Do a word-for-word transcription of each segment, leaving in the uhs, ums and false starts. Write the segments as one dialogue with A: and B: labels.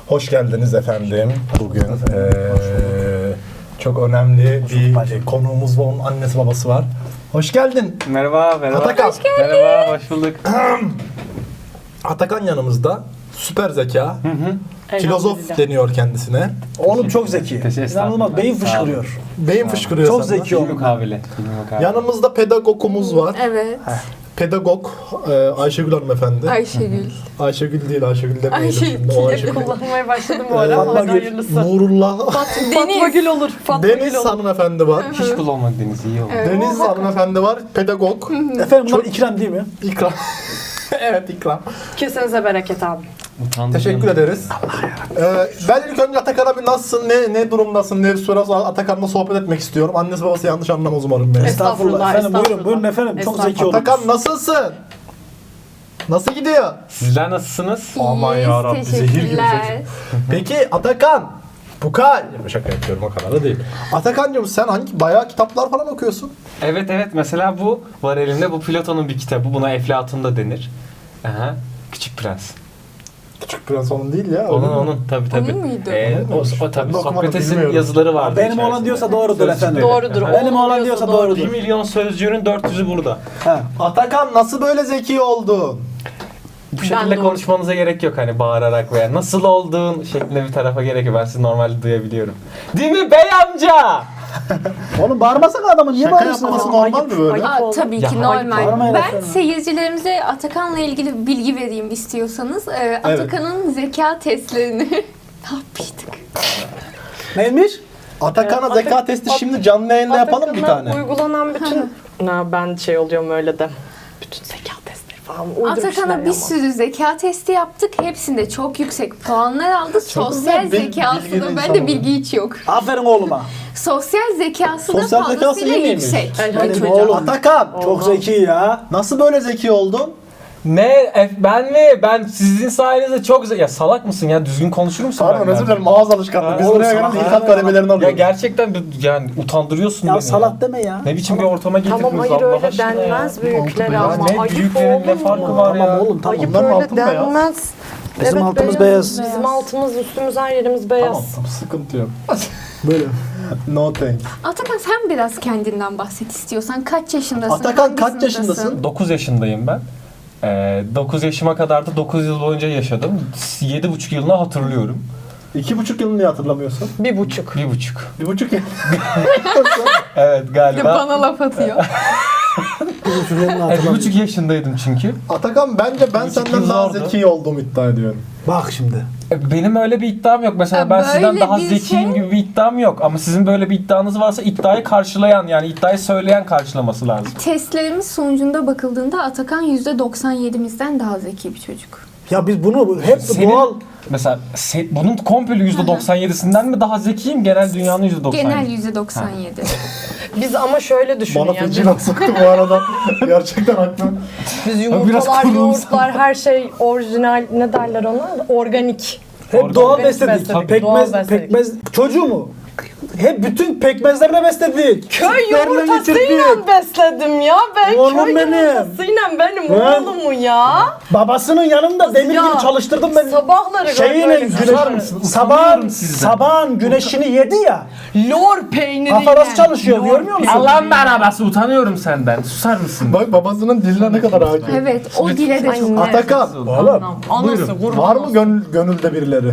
A: Hoş geldiniz efendim. Bugün ee, çok önemli bir konuğumuz var. Onun annesi babası var. Hoş geldin.
B: Merhaba, merhaba.
A: Atakan.
B: Hoş geldin. Merhaba, hoş bulduk.
A: Atakan yanımızda. Süper zeka. Hı hı. Filozof deniyor kendisine.
C: Oğlum çok zeki.
B: Teşekkür
C: İnanılmaz. Beyin fışkırıyor.
A: Beyin fışkırıyor
C: Çok
A: senden.
C: zeki oğlum.
B: Mukabele.
A: Yanımızda pedagogumuz var.
D: Evet.
A: Pedagog e, Ayşegül hanımefendi.
D: Ayşegül.
A: Ayşegül değil, Ayşegül demeyelim
D: Ayşegül.
A: şimdi. O Ayşegül.
E: Kullanmaya başladım bu ara.
A: Fatma
E: Hadi
A: Gül,
E: hayırlısı.
A: Nurullah,
E: Fatma Gül olur. Fatma Gül
A: Deniz
E: olur.
A: hanımefendi var.
B: Hiç kullanmak Deniz iyi oldu.
D: Evet.
A: Deniz hanımefendi var. Pedagog.
C: Efendim bunlar ikram değil mi?
A: İkram. Evet, ikram.
E: Kesinize bereket abi.
B: Utandırıyorum.
A: Teşekkür ederiz. Ee, ben ilk önce Atakan'a bir nasılsın, ne ne durumdasın, ne soruyorsa Atakan'la sohbet etmek istiyorum. Annesi babası yanlış anlamaz umarım beni.
E: Estağfurullah,
C: Efendim buyurun
E: estağfurullah.
C: buyurun efendim. Çok zeki
E: Estağfurullah.
C: oldunuz.
A: Atakan nasılsın? Nasıl gidiyor?
B: Sizler nasılsınız?
A: Aman
D: İyiyiz,
A: yarabbi, zehir gibi
D: teşekkürler.
A: Peki Atakan, Bukal. Şaka yapıyorum, o kadar da değil. Atakan'cığım sen hangi bayağı kitaplar falan okuyorsun?
B: Evet evet, mesela bu var elimde, bu Platon'un bir kitabı. Buna Eflatun da denir. Aha. Küçük Prens.
A: Küçük Prens onun değil ya.
B: Onun
A: öyle mi?
B: onun tabii tabii.
D: Onun muydu?
B: Ee,
A: Onun
B: o,
A: muymuş?
B: o
A: Ben
B: tabii
A: de okumadım,
B: Sokrates'in
A: bilmiyorum.
B: yazıları vardı.
C: Benim
B: içerisinde.
C: olan diyorsa doğrudur efendim.
E: Doğrudur.
B: Aha.
C: Benim
E: Oğlum
C: olan diyorsa doğrudur.
B: bir milyon sözcüğünün dört yüzü burada.
C: Ha.
A: Atakan nasıl böyle zeki oldun?
B: Bu şekilde
E: de
B: konuşmanıza gerek yok, hani bağırarak veya nasıl olduğun şeklinde bir tarafa gerek yok. Ben sizi normalde duyabiliyorum. Değil mi bey amca?
C: Oğlum bağırmasana adamı niye
A: Şaka
C: bağırıyorsun?
A: yapması
C: adamı?
A: normal mi böyle?
D: Aa, tabii
B: Ya
D: ki
B: hayır,
D: normal.
C: bağırmayın
D: Ben
C: efendim.
D: seyircilerimize Atakan'la ilgili bilgi vereyim istiyorsanız. Ee,
A: Evet.
D: Atakan'ın zeka testlerini ne yapmıştık?
C: Neymiş?
A: Atakan'a
E: Ee,
A: zeka
E: Atak-
A: testi
E: At-
A: şimdi canlı yayında yapalım bir
E: Atakan'a
A: tane.
E: uygulanan bütün... Na, ben şey oluyorum öyle de. Bütün zeka testleri falan uydurmuşlar
D: Atakan'a bir
E: ya.
D: sürü zeka testi yaptık. Hepsinde çok yüksek puanlar aldı. Sosyal
A: güzel, bil- bilgili
D: zekasında
A: insan
D: bende
A: oldu.
D: bilgi hiç yok.
C: Aferin oğluma.
D: Sosyal zekası da
A: Sosyal zekası
D: fazlasıyla
A: iyi miymiş?
D: yüksek.
C: Benim
E: Elhamdülillah.
C: oğlum.
A: Atakan
C: Çok zeki ya.
A: nasıl böyle zeki oldun?
B: Ne? E, ben mi? Ben sizin sayenizde çok güzel... Ya salak mısın ya? Düzgün konuşur musun?
A: Pardon
B: benimle?
A: özür dilerim ağız alışkanlığı. Biz
B: Oğlum,
A: buraya
B: salak.
A: gelen ilkat kademelerini
B: Ya
A: alıyoruz.
B: gerçekten bir- yani utandırıyorsun
C: Ya
B: beni.
C: salak deme ya.
B: Ne biçim bir ortama getirdiniz
E: Tamam hayır
B: Allah
E: öyle
B: aşkına
E: denmez
B: ya.
E: büyüklere
B: Ya
E: ama.
B: ne
E: Ayıp
B: büyüklerin ne
E: oğlum
B: farkı
E: ya.
B: var ya?
C: Tamam oğlum tamam.
E: Ayıp
A: Onların
E: öyle
A: altı beyaz.
E: denmez.
C: Bizim altımız beyaz.
E: Bizim altımız üstümüz her yerimiz beyaz.
A: Tamam, tamam sıkıntı yok.
C: Böyle.
A: No thanks.
D: Atakan sen biraz kendinden bahset istiyorsan. Kaç yaşındasın?
A: Atakan
D: hangi
A: kaç
D: sınıftasın?
A: yaşındasın?
B: dokuz yaşındayım ben. Ee, dokuz yaşıma kadar da dokuz yıl boyunca yaşadım. yedi buçuk yılını hatırlıyorum.
A: İki buçuk yılını niye hatırlamıyorsun?
E: Bir buçuk.
B: Bir buçuk.
A: Bir buçuk yıl.
B: Evet
D: Bir de
B: galiba.
D: bana laf atıyor.
C: Bu çocukların
B: Evet, bir
C: hatırlamıyor.
B: buçuk yaşındaydım çünkü.
A: Atakan bence ben
B: Bir buçuk
A: senden
B: yıl
A: daha
B: zordu.
A: zeki olduğumu iddia ediyorum.
C: Bak şimdi.
B: E, Benim öyle bir iddiam yok. Mesela
D: Ya
B: ben sizden
D: böyle
B: daha
D: bir
B: zekiyim
D: şey-
B: gibi bir iddiam yok. Ama sizin böyle bir iddianız varsa iddiayı karşılayan, yani iddiayı söyleyen karşılaması lazım.
D: Testlerimiz sonucunda bakıldığında Atakan yüzde doksan yedimizden daha zeki bir çocuk.
C: Ya biz bunu hep
B: Senin-
C: doğal.
B: Mesela se- bunun komple yüzde doksan yedisinden mi daha zekiyim? Genel dünyanın yüzde doksan yedi.
D: Genel yüzde doksan yedi.
E: Biz ama şöyle düşünün
A: Bana
E: yani.
A: feci laf soktu bu arada. Gerçekten haklı.
E: Biz
B: biraz
E: yumurtalar,
B: kurumsal.
E: yoğurtlar, her şey orijinal, ne derler ona? Organik.
C: Hep
B: Orada-
C: doğal
E: Organik
C: besledik.
E: besledik, doğal
C: Pekmez,
E: besledik.
C: pekmez. Çocuğu mu? Hep bütün pekmezlerle besledik.
E: Köy
C: Sütlerle
E: yumurtasıyla
C: getirdik.
E: besledim ya ben.
C: Oğlum
E: köy
C: benim.
E: yumurtasıyla benim
C: Ben-
E: oğlumu ya.
C: Babasının yanında demir
E: Ya,
C: gibi çalıştırdım ben.
E: Sabahları
C: Şeyine
E: böyle
C: güneş,
B: Susar mısın?
C: sabahın,
B: Utanıyorum sizden.
C: sabahın güneşini yedi ya.
E: lor peyniriyle.
C: Kafa nasıl çalışıyor
E: Lor
C: görmüyor musun?
E: peyniri.
B: Allah'ın arabası, utanıyorum senden. Susar mısın?
A: Bak babasının diline ne kadar hakim.
D: Evet, o dile de çok.
E: Anne.
A: Atakan,
C: Oğlum.
E: Anası kurban
A: var mı
E: olsun.
A: gönül, gönülde birileri?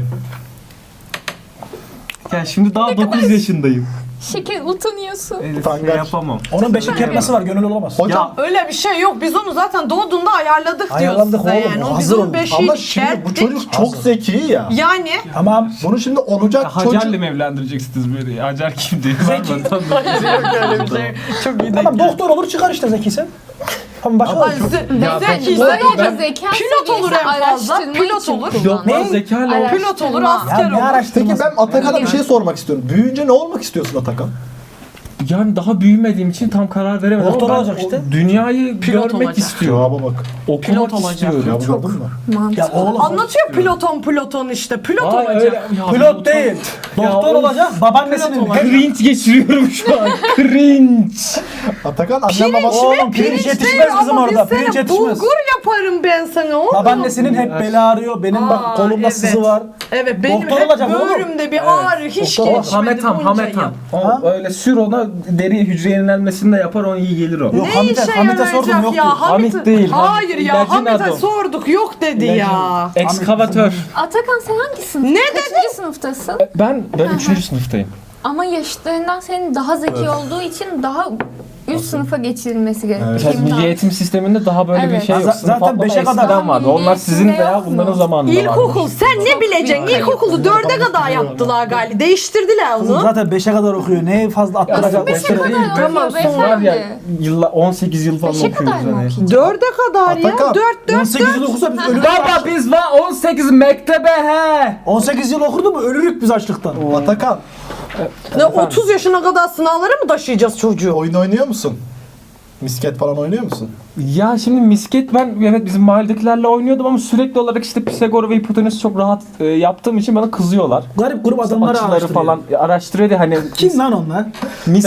B: Ya şimdi daha dokuz yaşındayım.
D: Şeker utanıyorsun.
B: Elif,
A: Utangaç.
B: şey yapamam.
C: Onun beşik kertmesi var gönül olamaz.
A: Hocam
E: Öyle bir şey yok. Biz onu zaten doğduğunda ayarladık diyoruz
C: Ayarladık
E: size
C: oğlum,
E: yani. O
C: hazır
E: biz onun
C: olun.
E: beşiğini
A: ama şimdi bu
E: kerttik.
A: çocuk çok zeki ya.
E: Yani
C: Tamam.
A: Bunu şimdi olacak
B: Hacer'le
A: çocuk...
B: mi evlendireceksiniz böyle? Hacer kim diye.
C: Zeki.
E: öyle bir şey. Çok iyi
C: Tamam
E: denk
C: doktor olur çıkar işte zekiysen. Tamam başka da
E: geldi.
B: Ya,
E: Zeki,
B: doktor-
E: zeki.
D: Böylece zeka
E: Pilot olur
D: seviyesi
E: en fazla,
D: araştırma
E: pilot
D: için
E: olur.
D: kullan.
B: Yok lan
C: Ne?
B: zekayla olur.
D: Araştırma.
E: Pilot olur,
C: Ya
E: asker
C: ne
E: olur.
C: araştırması?
A: Peki ben Atakan'a bir şey sormak istiyorum. Büyüyünce ne olmak istiyorsun Atakan?
B: Yani daha büyümediğim için tam karar veremedim.
C: Doktor
B: Ama ben
C: olacak
B: o
C: işte.
B: Dünyayı
E: Pilot
B: görmek
E: olacak.
B: istiyorum.
A: Cevaba bak.
B: Okumak
E: Pilot olacak.
B: istiyorum.
A: Cevabı
D: Çok
A: gördün mü?
D: mantıklı.
C: Ya oğlum.
E: Anlatıyor piloton piloton işte. Pilot
B: Ay,
E: olacak.
B: öyle- ya,
C: Pilot değil. Doktor
B: Ya,
C: olacak. Babaannesinin.
E: Pilot olacak.
B: Cringe geçiriyorum şu an. Cringe.
A: Atakan annem
E: Pirinç
A: babası...
C: Oğlum
E: mi?
C: pirinç
E: Pirinç
C: yetişmez
E: değil
C: bizim
E: ama
C: orada.
E: biz seni
C: Pirinç yetişmez.
E: bulgur yaparım ben sana oğlum.
C: Babaannesinin hep beli ağrıyor. Benim
E: Aa,
C: bak kolumda
E: evet.
C: sızı var.
E: Evet benim
C: Doktor
E: hep
C: olacak oğlum.
E: böğrümde bir ağrı hiç
C: Doktor
E: geçmedi
B: Hametam,
E: bunca
B: hametam.
E: yıl.
B: O
C: Ha?
B: öyle sür ona, deri hücre yenilenmesini de yapar, o iyi gelir o.
C: Yok,
E: Ne
C: Hamit'e-
E: işe
C: Hamit'e sordum,
E: yarayacak
C: yok
E: ya?
C: diyor.
E: Hamit,
B: Hamit değil,
E: Hayır
B: Hamit.
E: ya
B: İlacın
E: Hamit'e
B: adı o.
E: sorduk yok dedi ya.
B: Ekskavatör.
D: Atakan sen hangi sınıf?
E: Ne
D: Kaçıncı sınıftasın?
B: Ben ben üçüncü sınıftayım.
D: Ama yaşıtlarından senin daha zeki olduğu için daha üst sınıfa geçirilmesi gerekiyor.
A: Evet.
B: Mesela
D: Şimdi
B: Milli Eğitim Sistemi'nde daha böyle
D: Evet.
B: bir şey yok.
C: Z-
B: Sınıf
C: zaten
B: atlama
C: beşe kadar-
B: eskiden vardı.
D: Milli
B: Onlar sizin
D: Eğitimde
B: veya
D: yok mu?
B: bunların zamanında
E: İlkokul
B: varmış.
E: sen ne bileceksin?
D: büyük
E: İlkokulu dörde kadar yaptılar galiba. Değiştirdiler
C: Kızım
E: onu.
C: zaten beşe kadar okuyor. Ne fazla attıracak?
D: beşe
C: Beşe
D: kadar
B: Değil,
D: okuyor
E: Tamam,
B: Var ya
D: beyefendi.
B: yılla on sekiz yıl falan
D: Beşe
B: okuyoruz
D: kadar mı
B: hani.
D: okuyacak?
E: Dörde kadar ya.
A: Atakan,
E: Dört dört
C: on sekiz yıl okusa biz ölürük.
B: Baba biz var on sekiz mektebe he.
C: on sekiz yıl okurdu mu ölürük biz açlıktan.
A: Atakan,
E: Ne otuz yaşına kadar sınavlara mı taşıyacağız çocuğu?
A: oyun oynuyor musun? Misket falan oynuyor musun?
B: Ya şimdi misket ben evet bizim mahalledekilerle oynuyordum ama sürekli olarak işte Pisagor ve hipotenüsü çok rahat e, yaptığım için bana kızıyorlar.
C: Garip grup adamları
B: Açıları
C: araştırıyor.
B: falan araştırıyor diye hani
C: Kim lan onlar?
B: mis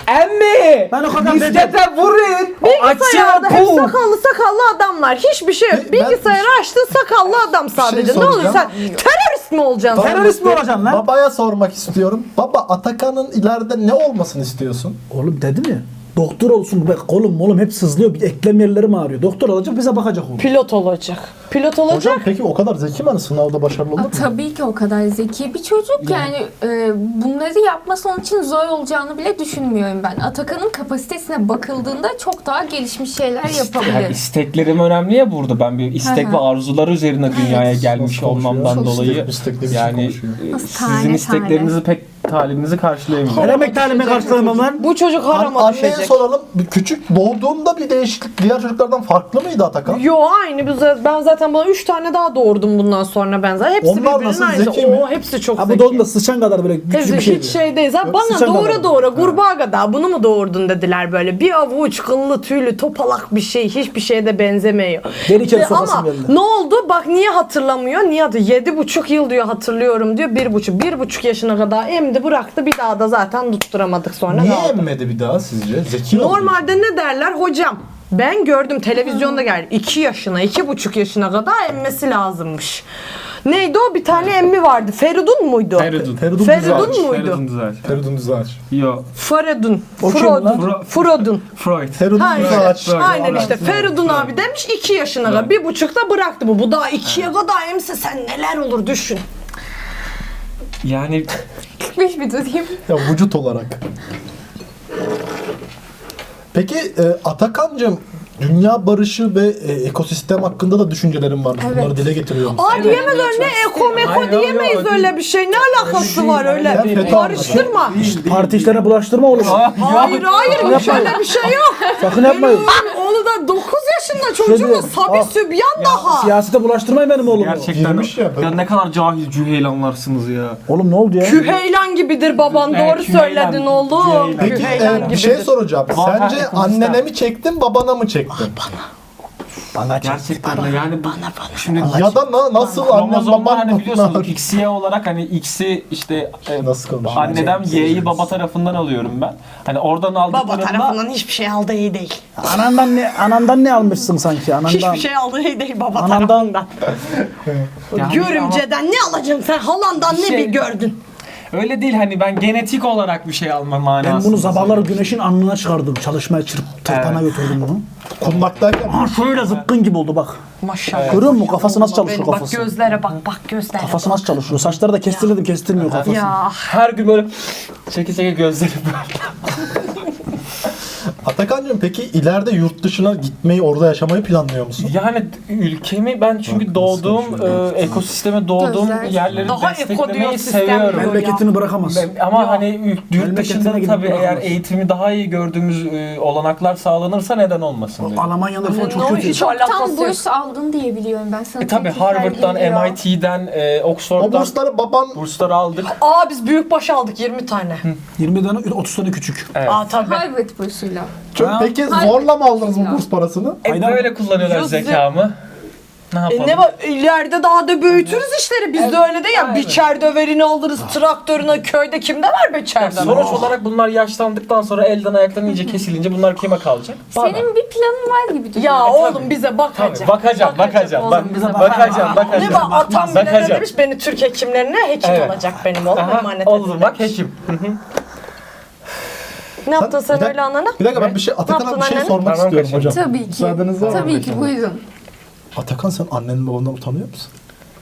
B: emmi
C: Ben o kadar
B: miskete vurun. O
E: Bilgisayarda
B: açı
E: hep
B: bu.
E: sakallı sakallı adamlar. Hiçbir şey yok.
A: Ben-
E: Bilgisayarı açtın sakallı adam sadece. Ne olur
A: soracağım.
E: sen terörist mi olacaksın?
A: Tamam,
C: Terörist mi
A: işte
C: olacaksın lan?
A: Babaya sormak istiyorum. Baba, Atakan'ın ileride ne olmasını istiyorsun?
C: Oğlum dedim ya. Doktor olsun. Bak kolum molum hep sızlıyor. Bir eklem yerlerim ağrıyor. Doktor olacak bize bakacak oğlum.
E: Pilot olacak. Pilot olacak.
A: Hocam peki o kadar zeki mi, hani sınavda başarılı olur
D: Aa,
A: mu?
D: tabii ki o kadar zeki bir çocuk yani e, bunları yapması onun için zor olacağını bile düşünmüyorum ben. Atakan'ın kapasitesine bakıldığında çok daha gelişmiş şeyler
B: Yani
D: yapabilir.
B: isteklerim önemli ya burada. Ben bir istek
D: Hı
B: ve
D: hı.
B: arzular üzerine dünyaya gelmiş
A: Nasıl konuşuyor?
B: olmamdan
A: Çok
B: dolayı
A: istek- istekli bir şey
B: yani
A: konuşuyor.
B: e,
D: Nasıl
B: sizin
D: tane
B: isteklerinizi pek talibinizi karşılayamıyorum.
C: Her emek talime karşılamam lan.
E: Bu çocuk
A: An-
E: harama
A: anneye
E: düşecek.
A: soralım. Bir küçük doğduğunda bir değişiklik diğer çocuklardan farklı mıydı Atakan?
E: Yo aynı. Biz- Ben zaten bana üç tane daha doğurdum bundan sonra ben zaten. Hepsi
A: Onlar
E: birbirinin
A: nasıl,
E: aynısı.
A: zeki mi?
E: Oo, hepsi çok
C: Ha bu
E: zeki.
C: doğumda sıçan kadar böyle güçlü
E: Hepsi
C: bir şey.
E: hiç şey değil. Zaten
C: Yok,
E: bana
C: sıçan
E: doğura
C: kadar.
E: doğura kurbağa kadar bunu mu doğurdun dediler böyle. Bir avuç kıllı tüylü topalak bir şey. Hiçbir şeye de benzemiyor.
C: Deri kere
E: Ve
C: sokasım
E: ama
C: geldi.
E: ne oldu? Bak niye hatırlamıyor? Niye adı? Yedi buçuk yıl diyor hatırlıyorum diyor. Bir buçuk. Bir buçuk yaşına kadar emdi bıraktı. Bir daha da zaten tutturamadık sonra.
A: Niye
E: kaldı.
A: emmedi bir daha sizce? Zeki olduğu için.
E: Normalde ne derler hocam? Ben gördüm televizyonda geldi. iki yaşına, iki buçuk yaşına kadar emmesi lazımmış. Neydi o? Bir tane emmi vardı. Feridun muydu?
B: Feridun.
A: Feridun
E: Feridun
A: Düzağaç.
E: muydu?
B: Feridun Düzağaç.
A: Feridun Düzağaç.
B: Yo.
E: Feridun.
C: O kim lan?
E: Frodun. Frodun.
B: Freud.
A: Feridun
E: Ha işte,
A: Düzağaç.
E: aynen işte Feridun abi demiş iki yaşına kadar. Bir buçukta bıraktı bu. Bu daha ikiye kadar emse sen neler olur düşün.
B: Yani
D: kırk beş bir durayım.
A: Ya vücut olarak. Peki e, Atakan'cığım, dünya barışı ve e, ekosistem hakkında da düşüncelerim var. Bunları
D: Evet.
A: dile getiriyorum.
E: Aa diyemez öyle ne eko meko
B: Hayır, yok,
E: diyemeyiz
B: yok,
E: öyle
B: değil.
E: bir şey. Ne alakası var
B: değil,
E: öyle?
B: öyle
A: değil.
E: Karıştırma.
C: Parti işlerine bulaştırma oğlum.
E: Hayır hayır şöyle bir şey yok.
C: Sakın yapmayın.
E: Benim oğlu da dokuz yaşında çocuğu
C: diyorum,
E: Sabi
C: ah.
E: Sübyan daha.
C: Siyasete bulaştırmayın benim oğlumu.
B: gerçekten
A: girmiş ya.
B: ya ne kadar cahil cüheylanlarsınız ya.
C: Oğlum ne oldu ya?
E: Küheylan gibidir baban
B: Evet,
E: doğru
B: Küheylan,
E: söyledin oğlum.
B: Küheylan.
A: Peki
E: Küheylan
A: e,
E: gibidir.
A: bir şey soracağım.
B: Var,
A: Sence
B: ekosistem.
A: annene mi çektin, babana mı çektin?
C: Bana çek.
B: Gerçekten de yani bu şimdi
A: Ya da na- nasıl annem
B: kromozomlar
A: babam
B: hani biliyorsunuz
A: bunlar?
B: X Y olarak hani X'i işte e,
A: Nasıl konuşuyor?
B: anneden Y'yi baba tarafından alıyorum ben. Hani oradan
E: Baba
B: aldıklarında
E: tarafından hiçbir şey aldığı iyi değil.
C: Anandan ne anandan ne almışsın sanki anandan?
E: Hiçbir şey aldığı iyi değil baba
C: Anandan-
E: tarafından.
B: Yani
E: Görümceden ne alacaksın sen? Halandan
B: Bir
E: ne
B: şey-
E: bir gördün?
B: öyle değil hani ben genetik olarak bir şey alma manasında.
C: Ben bunu sabahları güneşin alnına çıkardım. Çalışmaya çırp, tırpana götürdüm bunu.
A: Kundaktayken
C: Ha şöyle zıpkın gibi oldu bak.
E: Maşallah.
C: Görüyor musun kafası nasıl
E: Benim
C: çalışıyor
E: bak
C: kafası?
E: gözlere bak bak gözlere.
C: Kafası nasıl çalışıyor? Saçları da kestirmedim kestirmiyor kafası.
E: Ya
B: Her gün böyle çeke çeke gözleri böyle.
A: Atakan'cığım, peki ileride yurt dışına gitmeyi, orada yaşamayı planlıyor musun?
B: Yani ülkemi ben çünkü
A: Bak,
B: doğduğum
A: nasıl
B: e, ekosisteme doğduğum
D: Gözler.
B: yerleri
E: Daha
B: desteklemeyi
E: ekosistem
B: seviyorum.
E: diyor.
C: Memleketini bırakamaz.
B: Ben- Ama hani yurt
C: Memleketine
B: dışında da
C: gidip
B: tabii eğer
C: bırakamaz.
B: eğitimi daha iyi gördüğümüz e, olanaklar sağlanırsa neden olmasın diye.
C: Almanya'da falan çok
E: Ne
C: kötü.
E: hiç
D: Tam
E: alakası yok.
D: burs aldın diye biliyorum ben sana.
B: E tabii
D: teklifler
B: Harvard'dan,
D: geliyor.
B: M I T'den, e,
A: O
B: Oxford'dan
A: bursları baban
B: bursları aldık.
E: Aa biz büyük baş aldık yirmi tane.
C: yirmi tane otuz tane küçük.
B: Evet.
E: Aa tabii.
D: Harvard bursuyla.
A: Çok-
C: Ha?
A: peki
D: Hayır.
A: zorla mı aldınız bu burs parasını?
B: E,
C: Aynen.
B: böyle kullanıyorlar
E: Yüz-
B: zekamı. Ne yapalım?
E: E ne var? İleride daha da büyütürüz işleri. Biz de öyle değil ya.
B: aynen.
E: Biçer döverini alırız traktörüne, köyde kimde var beçerden?
B: Sonuç olarak bunlar yaşlandıktan sonra elden ayaktan iyice kesilince bunlar kime kalacak? Bana.
D: Senin bir planın var gibi duruyor.
E: Ya
B: E,
E: oğlum
B: tabii.
E: bize bakacak.
B: Tabii, bakacağım, bakacağım.
E: oğlum,
B: Bak,
E: bize
B: bakacağım, bakacağım.
E: Ne bak atam bile ne
B: Bakacağım.
E: demiş beni Türk hekimlerine hekim
B: Evet.
E: olacak benim oğlum
B: Aha,
E: emanet
B: oldu
E: edin
B: bak
E: demiş.
B: hekim. Hı hı.
E: Ne yaptın sen
A: Bir dakika-
E: öyle anana?
A: Bir dakika ben bir şey
E: Ne
A: Atakan'a
E: yaptın
A: bir şey
E: annene?
A: sormak
B: Tamam,
A: istiyorum
B: kaçın.
A: hocam.
D: Tabii ki.
A: Müsaadeniz var mı?
D: Tabii ki buyurun.
A: Atakan sen annenin babandan utanıyor musun?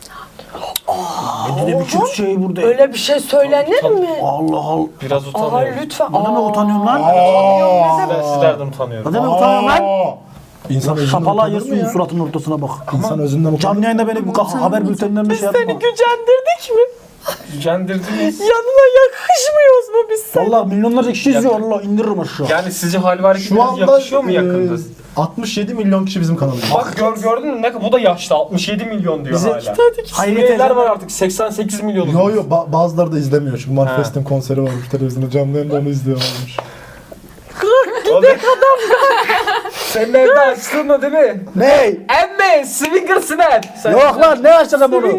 C: Ne ne biçim şey burada?
E: Öyle bir şey söylenir mi?
C: Allah Allah.
B: Biraz
E: Aa
B: utanıyorum.
E: lütfen.
C: Ne demek utanıyorum lan?
B: Sizler, sizlerden utanıyorum.
C: Ne demek utanıyorum lan?
A: İnsan özünden
C: Şapala
A: utanır mı
C: yiyorsun
A: ya?
C: suratının ortasına bak.
A: İnsan özünden utanır.
C: Canlı yayında beni bu ka- haber bülteninden bir şey yapma.
E: gücendirdik mi?
B: Gücendirdiniz.
E: Yanına yakışmıyoruz mu biz sen?
C: Valla milyonlarca kişi izliyor Allah indiririm aşağı.
B: Yani sizce hal ve
A: Şu
B: hareketleriniz
A: anda
B: yakışıyor mu yakında?
A: e, altmış yedi milyon kişi bizim kanalımızda.
B: Bak gör, gördün mü? Ne, bu da yaşlı. altmış yedi milyon diyor
C: Bize-
B: hala.
C: Hayret
B: Suriyeliler
C: eden-
B: var artık. seksen sekiz milyon.
A: Yo yo ba- bazıları da izlemiyor çünkü Manifest'in konseri varmış televizyonda canlı yayında onu izliyorlarmış.
B: Gidek adam. Senin evde açtın mı değil mi?
C: Ney?
B: Emme, swinger snap. Sen
C: Yok lan ne açacağım onu?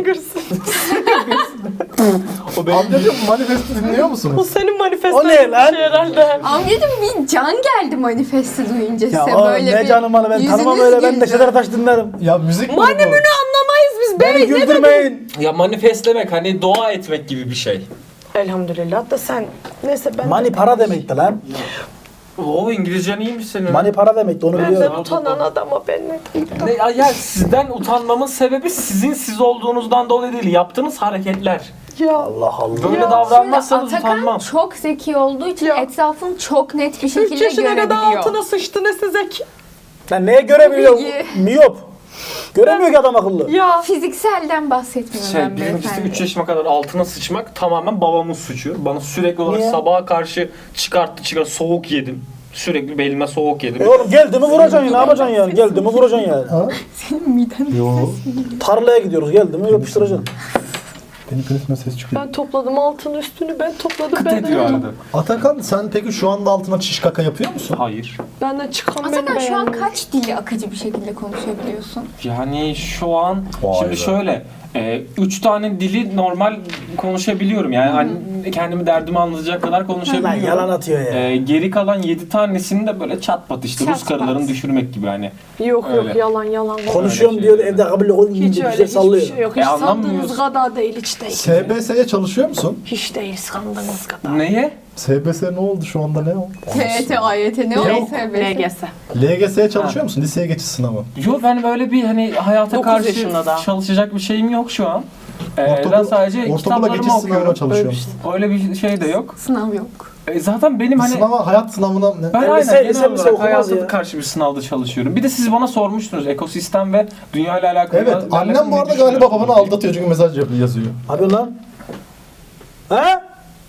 B: o benim
A: Amcacım Manifest'i dinliyor
E: O
A: musunuz?
E: senin manifestan
C: O ne lan?
E: şey herhalde.
D: Amcacım bir can geldi manifesti duyunca
C: Ya
D: size
C: oğlum
D: böyle
C: ne
D: bir
C: canım bana ben tanımam
D: yüzünüz
C: öyle ben de
D: güldü.
C: Şener Taş dinlerim.
A: Ya müzik mi bu?
E: Manemünü anlamayız biz
C: Beni
E: be.
C: güldürmeyin.
B: Ya manifestlemek hani dua etmek gibi bir şey.
E: Elhamdülillah da sen neyse ben
C: Mani para demekti lan.
B: O İngilizcen iyiymiş senin.
C: Mani para demekti onu
E: benden
C: biliyorum.
E: utanan adama ben ne diyeyim?
B: Ne, ya, ya sizden utanmamın sebebi sizin siz olduğunuzdan dolayı değil. Yaptığınız hareketler.
E: Ya
C: Allah Allah.
B: Böyle
E: Ya,
B: davranmazsanız
D: Atakan
B: utanmam.
D: çok zeki olduğu için
E: Ya.
D: etrafını çok net bir
E: üç
D: şekilde
E: yaşına kadar
D: görebiliyor.
E: altına sıçtı ne zeki.
C: Ben neye göremiyorum?
D: Bilgi.
C: Miyop. Göremiyor ki adam akıllı.
E: Ya
D: Fizikselden bahsetmiyorum
B: Şey,
D: ben
B: bizimkisi
D: beyefendi.
B: üç yaşıma kadar altına sıçmak tamamen babamın suçu. Bana sürekli olarak
C: Niye?
B: sabaha karşı çıkarttı çıkarttı soğuk yedim. Sürekli belime soğuk yedim.
C: E oğlum geldi mi vuracaksın ya ne yapacaksın yani? Geldi mi vuracaksın yani.
A: Ha?
D: Senin miden
A: Yo.
C: Tarlaya gidiyoruz geldi mi yapıştıracaksın.
A: Benim penisime ses çıkıyor.
E: ben topladım altın üstünü ben topladım
B: Kıt
E: ben
B: ediyor
E: de.
B: arada.
A: Atakan sen peki şu anda altına çiş kaka yapıyor musun?
B: Hayır.
E: Benden çıkan beni
D: Atakan şu an
E: beğenmiyor.
D: kaç dili akıcı bir şekilde konuşabiliyorsun?
B: Yani şu an
A: Vay
B: şimdi
A: be.
B: şöyle e, üç tane dili normal konuşabiliyorum. Yani hani kendimi derdimi anlatacak kadar
C: Lan
B: konuşabiliyorum.
C: yalan atıyor ya.
B: E, geri kalan yedi tanesini de böyle çat pat işte
D: Çat
B: Rus karılarını
D: pat.
B: düşürmek gibi hani.
E: Yok
B: Öyle.
E: yok yalan yalan.
C: Konuşuyorum
B: öyle
C: diyor
B: şey
C: evde kabul ol
E: Hiç
C: ince
E: öyle
C: güzel
E: hiçbir
C: sallıyor.
E: şey yok.
B: E,
E: Hiç
B: anlamıyoruz.
E: sandığınız kadar değil hiç değil.
A: S B S'ye çalışıyor musun?
E: Hiç değil sandığınız kadar.
B: Neye?
A: S B S ne oldu şu anda ne oldu?
D: T Y T, A Y T ne
E: Yok.
D: o S B S?
E: L G S.
A: L G S'ye çalışıyor musun? Liseye geçiş sınavı.
B: Yok ben böyle bir hani hayata
E: Dokuz
B: karşı
E: yaşında daha.
B: çalışacak bir şeyim yok şu an. Ee,
A: Ortaokul-
B: ben sadece
A: ortaokula
B: kitaplarımı
A: geçiş sınavına
B: okuyorum.
A: çalışıyor
E: Öyle
A: musun?
B: Öyle bir şey de yok.
D: Sınav yok.
B: E, zaten benim hani
A: Sınava, hayat sınavına ne?
B: ben
C: Ben
B: aynen
C: lise-
B: genel
C: lise- lise
B: olarak
C: okumaz
B: hayata
C: ya.
B: karşı bir sınavda çalışıyorum. Bir de siz bana sormuştunuz ekosistem ve dünya ile alakalı.
A: Evet,
B: benimle
A: annem bu
B: ne
A: arada galiba
B: düşünüyorsunuz
A: babanı
B: diye.
A: aldatıyor çünkü mesaj yap- yazıyor.
C: Abi lan. He?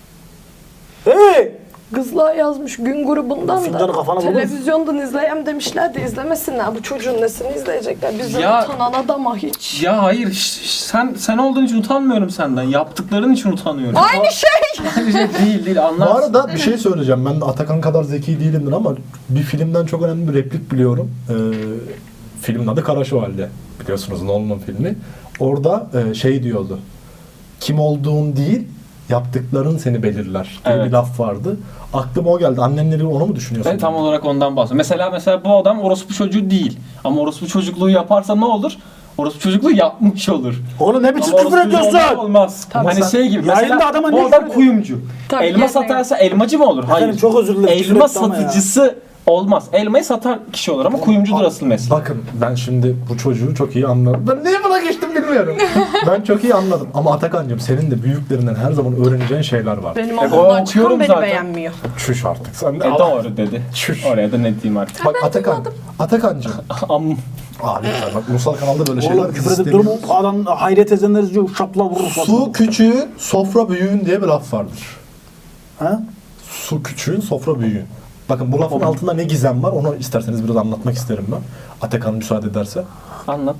C: Hey!
E: Kızlar yazmış gün grubundan
C: Fincanı
E: da
C: kafana vurur.
E: televizyondan izleyem demişler de izlemesinler. Bu çocuğun nesini izleyecekler? Bizden
B: Ya-
E: utanan adama hiç.
B: Ya hayır ş- ş- sen sen olduğun için utanmıyorum senden. Yaptıkların için utanıyorum.
E: Aynı şey.
B: Aynı şey değil değil
A: Bu
B: anlarsın.
A: arada bir şey söyleyeceğim. Ben de Atakan kadar zeki değilimdir ama bir filmden çok önemli bir replik biliyorum. Ee, filmin adı Kara Şövalye. Biliyorsunuz Nolan'ın filmi. Orada e, şey diyordu. Kim olduğun değil, yaptıkların seni belirler diye
B: Evet.
A: bir laf vardı. Aklıma o geldi. Annenleri onu mu düşünüyorsun?
B: Ben tam olarak ondan bahsediyorum. Mesela mesela bu adam orospu çocuğu değil. Ama orospu çocukluğu yaparsa ne olur? Orospu çocukluğu yapmış olur.
C: Oğlum ne biçim
B: Ama
C: küfür
B: orospu çocuğu
C: ediyorsun?
B: olmaz.
A: Tabii
B: hani
A: sen-
B: şey gibi
C: Yayında
B: mesela
C: adama
B: bu
C: ne
B: adam
C: küfür ediyor?
B: kuyumcu.
E: Tabii,
B: Elma
E: yani.
B: satarsa elmacı mı olur? Hayır.
C: Efendim çok özür dilerim. küfür
B: Elma
C: etti ama ya.
B: satıcısı olmaz. Elmayı satan kişi olur ama kuyumcudur asıl meslek.
A: Bakın ben şimdi bu çocuğu çok iyi anladım. Ben niye buna geçtim bilmiyorum. Ben çok iyi anladım. Ama Atakan'cığım senin de büyüklerinden her zaman öğreneceğin şeyler var.
E: Benim
B: E,
E: ağzımdan
B: o
E: çıkan
B: okuyorum
E: beni
B: zaten.
E: beğenmiyor.
A: Çüş artık sen de.
B: E doğru dedi.
A: Çüş.
B: Oraya da ne diyeyim artık.
A: Bak Atakan, Atakan'cığım.
B: Am
A: Aa lütfen bak Ulusal kanalda böyle şeyler
C: Oğlum
A: biz
C: küfür edip durma.
A: istemiyoruz.
C: Adam hayret edenler izliyor. Şapla vurur.
A: Su küçüğün, sofra büyüğün diye bir laf vardır.
C: Ha?
A: Su küçüğün, sofra büyüğün. Bakın bu lafın altında ne gizem var onu isterseniz biraz anlatmak isterim ben. Atakan müsaade ederse.
B: anlat.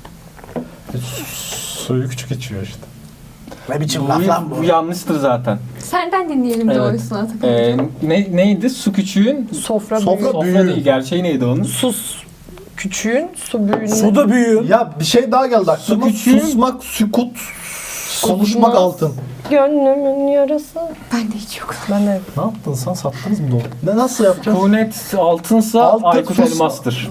A: E, Suyu küçük içiyor işte.
C: Ne biçim
B: Bu,
C: laf lan bu?
B: bu yanlıştır zaten.
D: Senden dinleyelim
B: Evet.
D: doğrusunu Atakan.
B: Ee, ne, neydi? Su küçüğün
E: Sofra,
A: Sofra
E: büyüğü.
B: sofra
A: büyüğü.
B: değil. Gerçeği neydi onun?
E: Sus. küçüğün, su büyüğünün.
C: Su da büyüğün.
A: Ya bir şey daha geldi aklıma.
B: küçüğün-
A: Susmak, sükut, konuşmak altın.
E: Gönlümün yarası.
D: Ben de hiç yok.
E: Ben de
A: Ne yaptın sen? Sattınız mı doğru? Ne nasıl yapacağız?
B: Tunet altınsa
A: Altın,
B: Aykut
A: sus.
B: elmastır.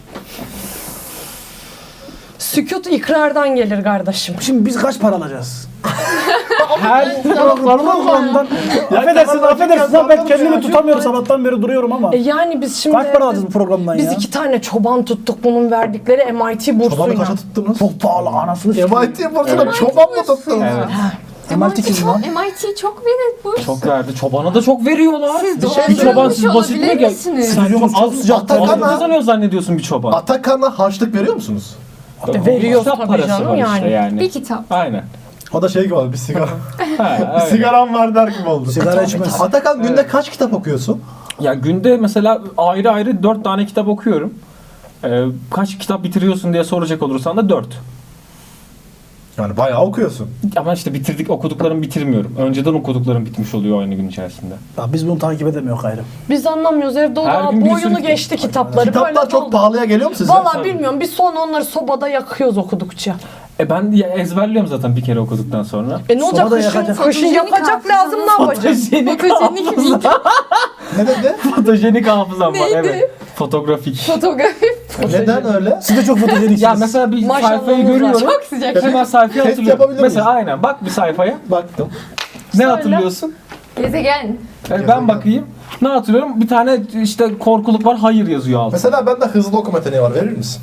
E: sükut ikrardan gelir kardeşim.
C: Şimdi biz kaç para alacağız?
B: Her
C: Programdan. Affedersin, affedersin. lan Ben kendimi tutamıyorum. Sabahtan beri duruyorum ama.
E: E yani biz şimdi
C: Kaç para alacağız bu programdan
E: biz
C: ya?
E: iki tane çoban tuttuk bunun verdikleri M I T
A: Çobanı
E: bursuyla.
A: kaça tuttunuz?
C: Çok pahalı anasını
A: M I T bursuna çoban mı tuttunuz?
B: Evet.
C: M I T kim lan?
D: M I T çok verir bu.
B: Çok verdi. Çobana da çok veriyorlar.
D: Siz
B: bir
D: doğru
B: bir çoban siz
D: söylemiş
B: basit mi
D: olabilir
B: gel?
D: misiniz?
C: Stadyumumuz çok sıcak.
A: Atakan'a-
B: Atakan'a kazanıyor zannediyorsun bir çoban.
A: Atakan'a harçlık veriyor musunuz?
E: veriyor
B: Kitap
E: tabii
B: parası
E: canım
B: var
E: yani.
B: işte yani.
D: Bir kitap.
B: Aynen.
A: O da şey gibi oldu, bir sigara.
B: Ha,
A: bir
B: aynen.
A: sigaram var der gibi oldu.
C: Sigara içmez.
A: Atakan günde kaç kitap okuyorsun?
B: Ya günde mesela ayrı ayrı dört tane kitap okuyorum. Ee, kaç kitap bitiriyorsun diye soracak olursan da dört.
A: Yani bayağı okuyorsun.
B: Ama işte bitirdik okuduklarımı bitirmiyorum. Önceden okuduklarım bitmiş oluyor aynı gün içerisinde.
C: Ya biz bunu takip edemiyoruz gayrı.
E: Biz anlamıyoruz evde o
B: Her
E: daha
B: gün bir
E: boyunu
B: sürü-
E: geçti kitapları.
A: Kitaplar
E: Böyle
A: çok
E: oldu.
A: pahalıya geliyor mu size?
E: Valla bilmiyorum biz sonra onları sobada yakıyoruz okudukça.
B: E ben ya ezberliyorum zaten bir kere okuduktan sonra.
E: E ne olacak
C: Sobada
E: kışın,
C: yakacak.
E: kışın
D: Fotojenik
E: yakacak lazım ne yapacağız?
B: Fotojenik
D: Fotojenik bir
A: Ne dedi?
B: Fotojenik hafızam var
D: Neydi?
B: evet. Fotoğrafik.
D: fotoğrafi.
A: Neden öyle?
C: Siz de çok fotojeniksiniz.
B: Ya mesela bir
E: Maşallahınız
B: sayfayı
E: var.
B: görüyorum.
D: Çok sıcak.
B: Hemen sayfayı
A: Test
B: hatırlıyorum.
A: yapabilir
B: Mesela
A: miyiz?
B: aynen bak bir sayfaya.
A: Baktım.
B: Ne hatırlıyorsun?
D: Gezegen.
B: E, ben bakayım. Ne hatırlıyorum? Bir tane işte korkuluk var. Hayır yazıyor altında.
A: Mesela bende hızlı okuma yeteneği var. Verir misin?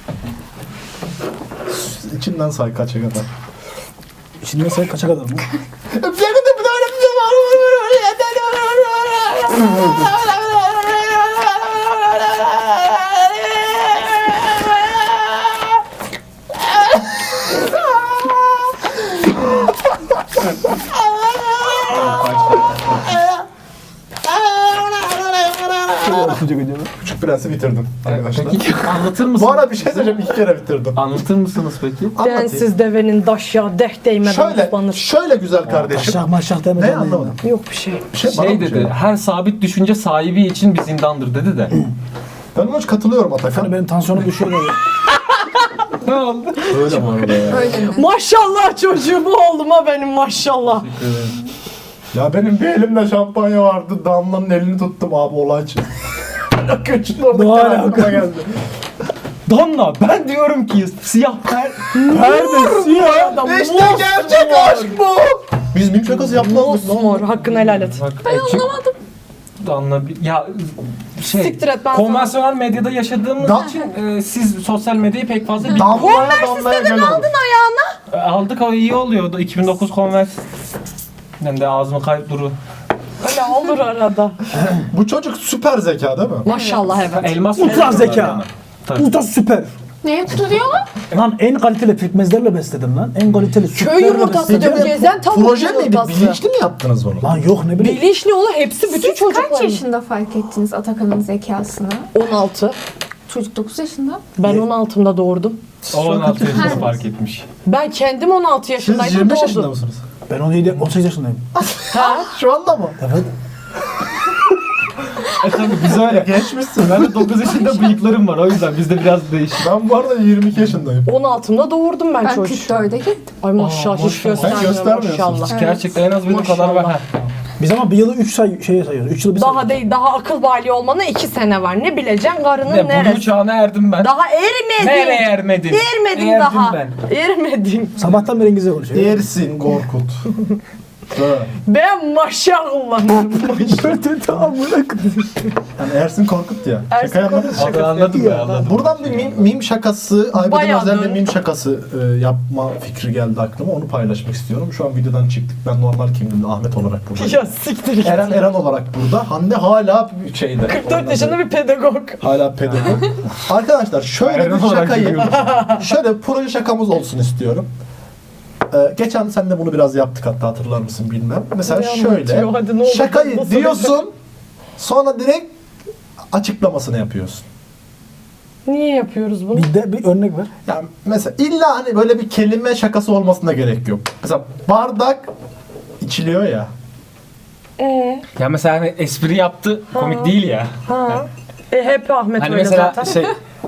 A: İçinden say kaça kadar.
C: İçinden say kaça kadar mı?
A: Küçük Prens'i bitirdim arkadaşlar.
B: Peki anlatır mısın?
A: Bu ara bir şey söyleyeceğim. iki kere bitirdim.
B: Anlatır mısınız peki?
A: Anlatayım.
E: Densiz devenin daş ya deh değmeden
A: Şöyle,
E: ıslanır.
A: şöyle güzel kardeşim.
C: Aşağı maşağı demeden.
A: Ne anlamadım?
E: Yok bir şey.
A: Bir şey, bana
B: Şey
A: mı
B: dedi,
A: şey?
B: her sabit düşünce sahibi için bir zindandır dedi de.
A: Ben ona hiç katılıyorum Atakan.
C: Hani benim tansiyonum düşüyor böyle.
B: Ne oldu?
A: Öyle bu arada ya.
D: Öyle mi?
E: Maşallah çocuğum oğluma benim maşallah.
A: Ya benim bir elimde şampanya vardı. Damla'nın elini tuttum abi olay için. Küçük orada
C: Ne
A: aklıma
C: alaka?
A: geldi.
B: Damla ben diyorum ki siyah per perde siyah.
A: İşte gerçek aşk bu. Biz mim şakası yapmazdık. Ne
E: Mor
A: oldu?
E: hakkını helal et.
B: Bak, ben anlamadım. Damla bir- ya şey
E: Siktir et, ben
B: konvansiyonel medyada yaşadığımız
A: Da-
B: için e, siz sosyal medyayı pek fazla bilmiyorsunuz.
A: Damla'ya damlaya gel olur.
B: E, Aldık o iyi oluyor. iki bin dokuz konvers. Ben de ağzımı kayıp duru.
E: Öyle olur arada.
A: Bu çocuk süper zeka değil mi?
E: Maşallah evet.
B: Elmas
C: Ultra
B: veriyorlar
C: zeka.
B: bana. Tabii.
C: Ultra süper.
D: Neye tutuyorlar?
C: Lan en kaliteli pekmezlerle besledim lan. En kaliteli
E: Köy
C: sütlerle
E: yumurtası
C: besledim.
E: diyor. Gezen tavuk
A: Proje miydi?
E: yumurtası.
A: Bilinçli mi yaptınız bunu?
C: Lan yok ne bileyim.
E: Bilinçli oğlu hepsi bütün
D: Siz
E: çocuklar.
D: kaç yaşında fark ettiniz Atakan'ın zekasını?
E: on altı.
D: Çocuk dokuz yaşında.
E: Ben on altımda doğurdum.
B: O on altı yaşında
D: Her-
B: fark etmiş.
E: Ben kendim on altı
A: Siz
E: yaşındaydım
A: yirmi beş yaşında
E: doğdum.
A: mısınız?
C: Ben on yedi on sekiz yaşındayım.
A: Şu anda mı?
C: Evet.
B: E tabii biz öyle.
A: Geçmişsin.
B: Ben de dokuz yaşında bıyıklarım var o yüzden bizde biraz değişik.
A: Ben bu arada yirmi iki yaşındayım.
E: on altımda doğurdum ben,
D: Ben
E: çocuk.
D: kırk dörde gittim.
E: Ay maşallah hiç
B: maşallah.
A: Sen
E: göstermiyor
A: göstermiyorsun.
E: maşallah.
B: Gerçekten en az benim kadar var.
E: Maşallah.
B: Ha.
C: Biz ama bir yılı üç say şeye sayıyoruz. üç yılı bir
E: Daha
C: sayıyoruz.
E: değil, daha akıl bali olmana iki sene var. Ne bileceksin karının
B: Ne,
E: neresi?
B: Blue çağına erdim ben.
E: Daha ermedin.
B: Nereye ermedin?
E: Ermedin
B: Erdim
E: daha.
B: ben.
E: Ermedin.
C: Sabahtan beri İngilizce konuşuyor.
A: Ersin Korkut. Ha.
E: Ben maşallah.
A: Yani Ersin Korkut ya.
E: Ersin
A: Şaka yapmadın.
E: Korkut.
B: Abi anladım ben anladım.
A: Buradan bir mim, mim şakası, Aybeden
E: Bayağı
A: özel bir
E: dön-
A: mim şakası e, yapma fikri geldi aklıma. Onu paylaşmak istiyorum. Şu an videodan çıktık. Ben normal kimliğimde Ahmet olarak buradayım.
E: Ya siktir git.
A: Eren Eren olarak burada. Hande hala bir şeyde.
E: kırk dört yaşında bir pedagog.
A: Hala pedagog. Arkadaşlar şöyle
B: Eren
A: bir
B: olarak
A: şakayı,
B: gülüyorum.
A: şöyle proje şakamız olsun istiyorum. Ee, geçen sen de bunu biraz yaptık hatta hatırlar mısın bilmem. Mesela
E: Ne
A: şöyle
E: anlatıyor? Hadi ne olur,
A: şakayı
E: nasıl
A: diyorsun sonra direkt açıklamasını yapıyorsun.
E: Niye yapıyoruz bunu?
C: Bir de bir örnek ver.
A: Yani mesela illa hani böyle bir kelime şakası olmasına gerek yok. Mesela bardak içiliyor ya.
E: Ee,
B: Ya mesela hani espri yaptı komik değil ya.
E: ha. E hep Ahmet
B: Hani
E: öyle
B: mesela
E: zaten.
B: şey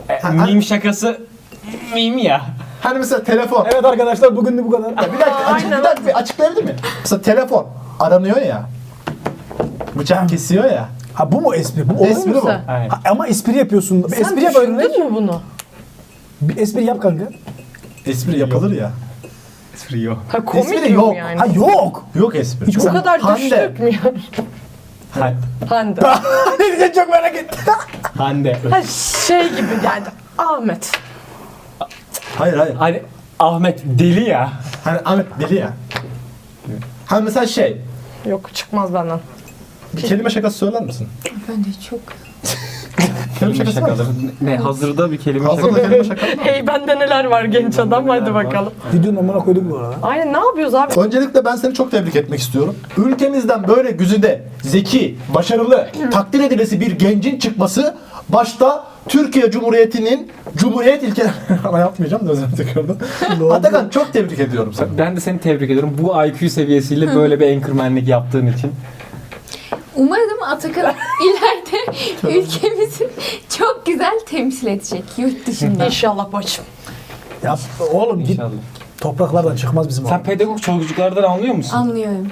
B: E, meme şakası meme ya.
A: Hani mesela telefon.
C: Evet arkadaşlar bugün de bu kadar.
A: Bir dakika, açık, bir dakika bir açıklayabilir miyim? Mesela telefon aranıyor ya. Bıçak kesiyor ya.
C: Ha bu mu espri? Bu olur
A: Espri
C: mu?
A: bu.
B: Aynen.
C: Ha, ama espri yapıyorsun.
E: Sen
C: espri yap örnek.
E: düşündün mü bunu?
C: Bir espri yap kanka.
A: Espri yapılır ya.
B: Espri yok.
E: Ha komik
A: Espri
E: yok
A: yok.
E: yani.
C: Ha yok.
A: Yok espri.
C: Hiç
E: Bu
A: Mesela
E: kadar
A: Hande.
E: düştük mü ya?
B: Hande.
E: Hande.
C: Ne diyeceğim çok merak ettim.
B: Hande.
E: Ha şey gibi geldi. Ahmet.
A: Hayır hayır.
B: Hani Ahmet deli ya.
A: Hani Ahmet deli ya. Hani mesela şey.
E: Yok çıkmaz benden.
A: Bir kelime şakası söyler misin?
D: Ben de çok...
A: Kelime
B: Kelime
A: şakası var mı?
B: şakaları. Ne hazırda bir kelime
A: Hazırda
B: şakası.
A: kelime şakası var mı?
E: Hey bende neler var genç adam hadi bakalım.
C: Videonun amına koyduk bu arada.
E: Aynen ne yapıyoruz abi?
A: Öncelikle ben seni çok tebrik etmek istiyorum. Ülkemizden böyle güzide, zeki, başarılı, takdir edilesi bir gencin çıkması başta Türkiye Cumhuriyeti'nin Cumhuriyet ilke... Ama yapmayacağım da özür dilerim. Atakan çok tebrik ediyorum seni.
B: Ben de seni tebrik ediyorum. Bu I Q seviyesiyle böyle bir anchormanlik yaptığın için.
D: Umarım Atakan ileride ülkemizi çok güzel temsil edecek yurt dışında.
E: İnşallah bacım.
C: Yap oğlum git.
B: İnşallah.
C: Topraklardan çıkmaz bizim
B: Sen
C: oğlum.
B: pedagog çocuklardan anlıyor musun?
D: Anlıyorum.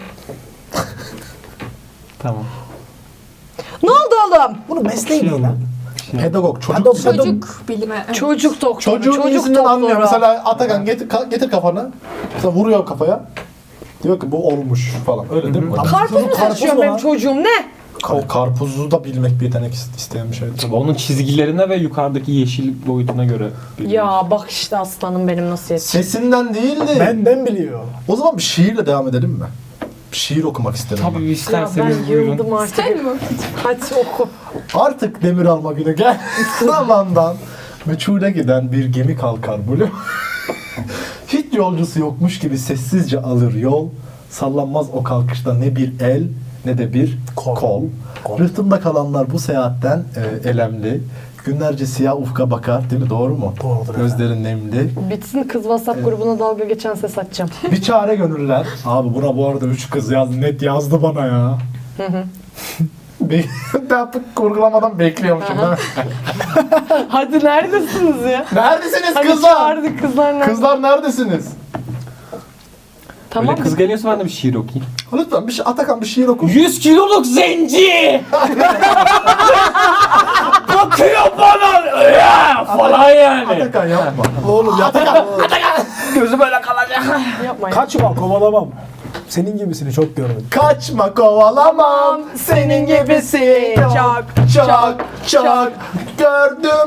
B: Tamam.
E: Ne oldu oğlum?
C: Bunun mesleği ne lan?
A: Pedagog, çocuk.
C: Pedagog.
D: Çocuk bilimi. evet.
E: Çocuk doktoru.
A: Çocuğun
E: çocuk
A: iyisinden
E: doktoru.
A: anlıyor. Mesela Atakan getir, ka- getir kafanı. Mesela vuruyor kafaya. Diyor ki bu olmuş falan. Öyle değil mi?
E: Karpuz mu
C: Karpuz
E: taşıyor
C: mu
E: benim
C: lan?
E: çocuğum ne?
A: O karpuzu da bilmek bir yetenek ist- isteyen bir şey.
B: Tabii onun çizgilerine ve yukarıdaki yeşil boyutuna göre.
E: Ya bak işte aslanım benim nasıl yetişiyor.
A: Sesinden değildi.
C: Benden biliyor.
A: O zaman bir şiirle devam edelim mi? Bir şiir okumak isterim.
B: Tabii
A: ben.
E: Ya
B: isterseniz
E: ben
B: buyurun.
E: yıldım artık.
D: Sen mi?
E: Hadi oku.
A: Artık demir alma günü gel. Zamandan meçhule giden bir gemi kalkar Blue. Hiç yolcusu yokmuş gibi sessizce alır yol. Sallanmaz o kalkışta ne bir el ne de bir kol.
C: Kol. Kol.
A: Rıhtımda kalanlar bu seyahatten e, elemli. Günlerce siyah ufka bakar değil mi? Doğru mu?
C: Doğrudur
A: Gözlerin nemli.
E: Bitsin kız WhatsApp grubuna dalga geçen ses açacağım.
A: Bir çare gönüller. Abi buna bu arada üç kız yazdı. Net yazdı bana ya. Be- ben kurgulamadan bekliyormuşum değil mi?
E: Hadi neredesiniz ya?
A: Neredesiniz
E: Hadi
A: kızlar?
E: çağırdık kızlar nerede?
A: Kızlar neredesiniz?
E: Tamam.
B: Öyle kız geliyorsa ben de bir şiir okuyayım.
A: Lütfen bir şey, Atakan bir şiir oku.
B: yüz kiloluk zenci! Bakıyor bana ya falan yani.
A: Atakan yapma. Oğlum ya Atakan.
B: Gözü böyle kalacak.
E: Yapmayın.
C: Kaçma kovalamam. Senin gibisini çok gördüm.
A: Kaçma kovalamam senin gibisi çok çok çok gördüm.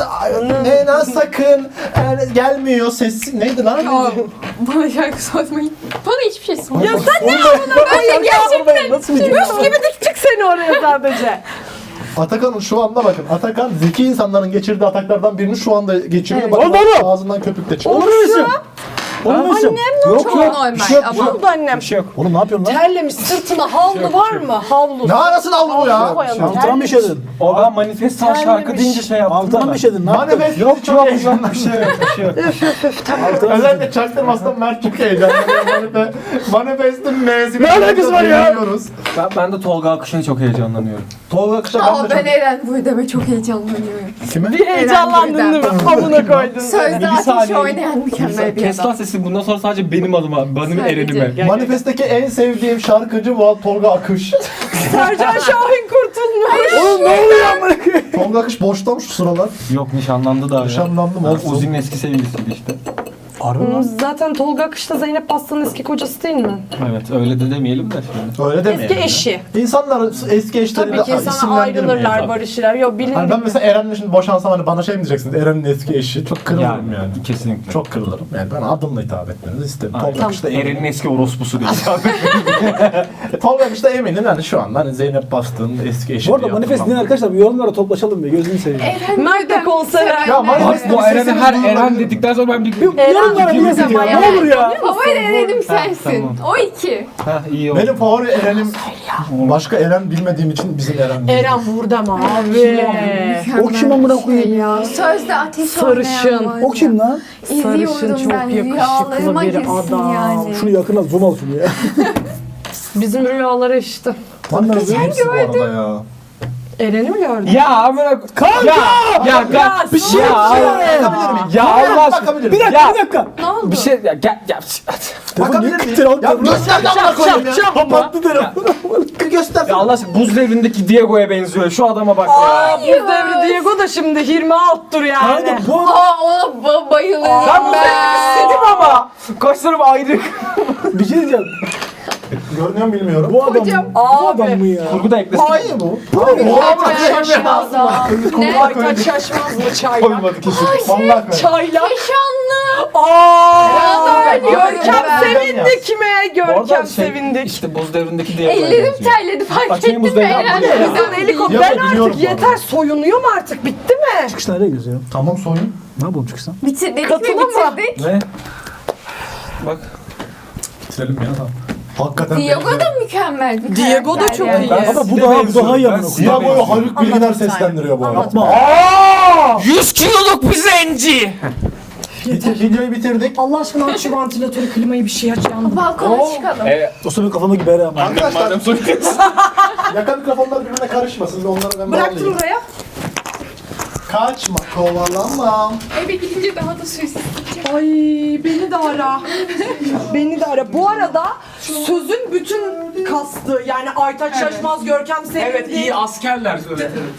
A: Ne lan sakın yani gelmiyor sesi neydi lan?
D: Ya, bana şarkı sormayın. Bana hiçbir şey sormayın.
E: Ya sen ne yapıyorsun? Böyle gerçekten
C: Nasıl bir
E: Müs gibi diktik seni oraya sadece.
A: Atakan'ın şu anda bakın Atakan zeki insanların geçirdiği ataklardan birini şu anda geçiriyor.
E: Evet.
A: Bakın
C: Oldu mu?
A: ağzından köpük de çıkıyor.
C: Olur musun? Olur musun?
E: Annem
D: Çok normal
C: bir şey yok,
D: ama.
E: Ne oldu annem?
B: Bir şey yok.
C: Oğlum ne yapıyorsun lan?
E: Terlemiş sırtına havlu var mı? Havlu.
A: Ne arasın havlu bu ya?
E: Havlu koyalım.
C: Altına mı işedin?
B: O ben manifestan şarkı deyince şey yaptım.
C: Altına
B: da
C: mı
B: ben.
C: işedin? Ne yaptın?
A: Manifest
B: Yok
A: çok
B: yok
A: heyecanlı.
B: yok bir şey yok bir şey yok.
C: Altına mı
A: Özellikle
C: işedin?
A: çaktırmasından Mert çok heyecanlı. Manifest- Manifest'in M'sini
C: Ne alakası var ya?
A: biliyoruz.
B: Ben, ben de Tolga Akış'a çok heyecanlanıyorum.
A: Tolga Kışa
D: Aa,
A: ben de
D: ben
A: çok...
D: Eren Buydem'e çok heyecanlanıyorum.
A: Kime?
E: Bir heyecanlandın değil mi? Havuna koydun.
D: Sözde
B: Bir
D: ateş
B: saniye.
D: oynayan mükemmel bir
B: Kes lan
D: adam.
B: sesini bundan sonra sadece benim adıma, benim
D: Sadece.
B: erenime.
E: Gel,
A: Manifest'teki en sevdiğim şarkıcı bu Tolga Akış.
E: Sercan Şahin kurtulmuş.
C: Oğlum ne oluyor amına koyayım?
A: Tolga Akış boşta mı şu sıralar?
B: Yok nişanlandı daha ya.
A: Nişanlandı mı?
B: Ha,
A: Olsun.
B: Uzi'nin eski sevgilisiydi işte.
C: Harbi
E: Hmm,
C: lan.
E: Zaten Tolga Akış'ta Zeynep Bastı'nın eski kocası değil mi?
B: Evet öyle de demeyelim de şimdi.
A: Öyle demeyelim.
E: Eski eşi.
A: İnsanlar eski eşleriyle
E: Tabii ki sana
A: isimlendirmeyin.
E: ayrılırlar,
B: tabii.
E: barışırlar. Yok bilin.
A: Hani ben mesela Eren'le şimdi boşansam hani bana şey mi diyeceksiniz? Eren'in eski eşi. Çok kırılırım yani.
B: Kesinlikle.
A: Çok kırılırım. Yani ben adımla hitap etmenizi isterim.
B: Aynen.
A: Tolga Akış'ta
B: Eren'in
A: eminim.
B: eski orospusu değil abi.
A: E, Tolga Akış'ta eminim yani şu anda hani Zeynep Bastık'ın eski eşi.
C: Bu arada
A: diye
C: manifest
A: hatırlamam.
C: dinleyen arkadaşlar bir yorumlara toplaşalım be gözünü seveyim.
D: Eren
E: Nerede
D: Buydem
E: konser?
D: sevenler
A: Ya manifest-
B: Bu Eren'e her
A: Sesiniz
B: Eren
A: duyulabilir.
B: dedikten sonra ben bir...
C: Yorumlara
B: bir-
C: niye
B: bir-
C: yazıyor?
B: bir-
C: Ne olur ya?
D: Favori Eren'im sensin.
B: tamam.
D: O iki.
B: Ha iyi oldu.
A: Benim favori Eren'im başka Eren bilmediğim için bizim Eren. değil.
E: Eren Vurdam abi.
C: O kim amına koyayım ya?
D: Sözde ateş
E: Sarışın.
D: oynayan var
C: O kim lan?
E: Sarışın
D: İzliyorum
E: çok
D: ben.
E: yakışıklı
D: Rüyalarıma
E: bir
D: girsin
E: adam.
D: yani.
C: Şunu yakına zoom al şunu ya.
E: Bizim rüyaları işte.
A: Manifest
C: Geçen
A: hepsi bu arada ya.
E: Eren'i mi gördün?
B: Ya amına kanka. Ya ya
E: Ya,
B: bir şey
E: ya,
B: ya.
E: ya.
A: Bakabilir miyim?
B: Ya Allah aşkına.
A: Bakabilir
C: Bir
A: miyim?
C: dakika
B: Ya.
C: bir dakika.
D: Ne oldu?
B: Bir şey ya gel ya.
A: Bakabilir miyim?
C: Telefon-
A: Ya göster de amına koyayım ya.
C: Kapattı telefonu.
A: Göster.
B: Ya Allah aşkına buz devrindeki Diego'ya benziyor. Şu adama bak ya.
E: Aa, buz devri Diego da şimdi yirmi alttır yani.
C: Kanka bu adam
D: Aa ona ba- bayılıyorum
B: Ben bu
D: ben.
B: devrimi istedim ama. Kaşlarım ayrı.
C: bir şey diyeceğim.
A: Görünüyor mu bilmiyorum.
C: Bu adam
D: Hocam.
C: bu
E: Abi.
C: adam mı ya?
B: Kurgu da eklesin.
A: Hayır bu.
D: Aytaç Şaşmaz da. Ne?
E: Aytaç Şaşmaz mı çayla?
A: Koymadı kesin. Vallahi koymadı.
E: Çayla.
D: Keşanlı.
E: Aaa!
D: Ben
E: Görkem
D: ben.
E: sevindik mi?
B: Bu arada
E: Görkem
B: şey,
E: sevindik.
B: İşte buz devrindeki Diego'ya
D: Ellerim
B: benziyor.
D: terledi fark
B: Açayım
D: ettin
B: buz
D: mi
B: devri
D: Eren?
B: yapma.
E: Kızın
D: Güzel.
E: helikopter
A: Yapma,
E: artık
A: biliyorum bu
E: yeter
A: arada.
E: soyunuyor mu artık bitti mi?
C: Çıkış nereye geziyor?
A: Tamam soyun.
C: Ne yapalım çıkıştan?
D: Bitir, dedik mi
E: Katılın mı?
D: bitirdik?
B: Ne? Bak.
A: Bitirelim ya tamam. Hakikaten
D: Diego
A: benziyor.
D: da mükemmel bir
E: Diego da
D: karakter
E: çok
D: yani.
E: iyi.
B: Ben
C: Ama bu
B: size
C: daha bu
B: benziyorum.
C: daha iyi
B: Ben
C: amına
B: size
C: koyayım.
A: Diago'yu
B: benziyorum.
A: Haluk Bilginer
E: Anlatın
A: seslendiriyor bu arada.
C: Yapma.
B: yüz kiloluk bir zenci.
A: Bitir, videoyu bitirdik.
E: Allah aşkına aç şu vantilatörü klimayı bir şey aç yandım.
D: Balkona çıkalım.
B: E,
C: O senin kafama gibi her ama.
A: Arkadaşlar
B: madem soruyorsun.
A: yaka mikrofonlar birbirine karışmasın. Bir onları ben
E: Bıraktım
A: bağlayayım.
E: buraya.
A: Kaçma kovalanma.
D: Eve gidince daha da sessiz.
E: Ay beni de ara. Beni de ara. Bu arada sözün bütün kastı yani Aytaç Şaşmaz, Görkem Sevindik.
B: Evet iyi askerler. Evet, evet.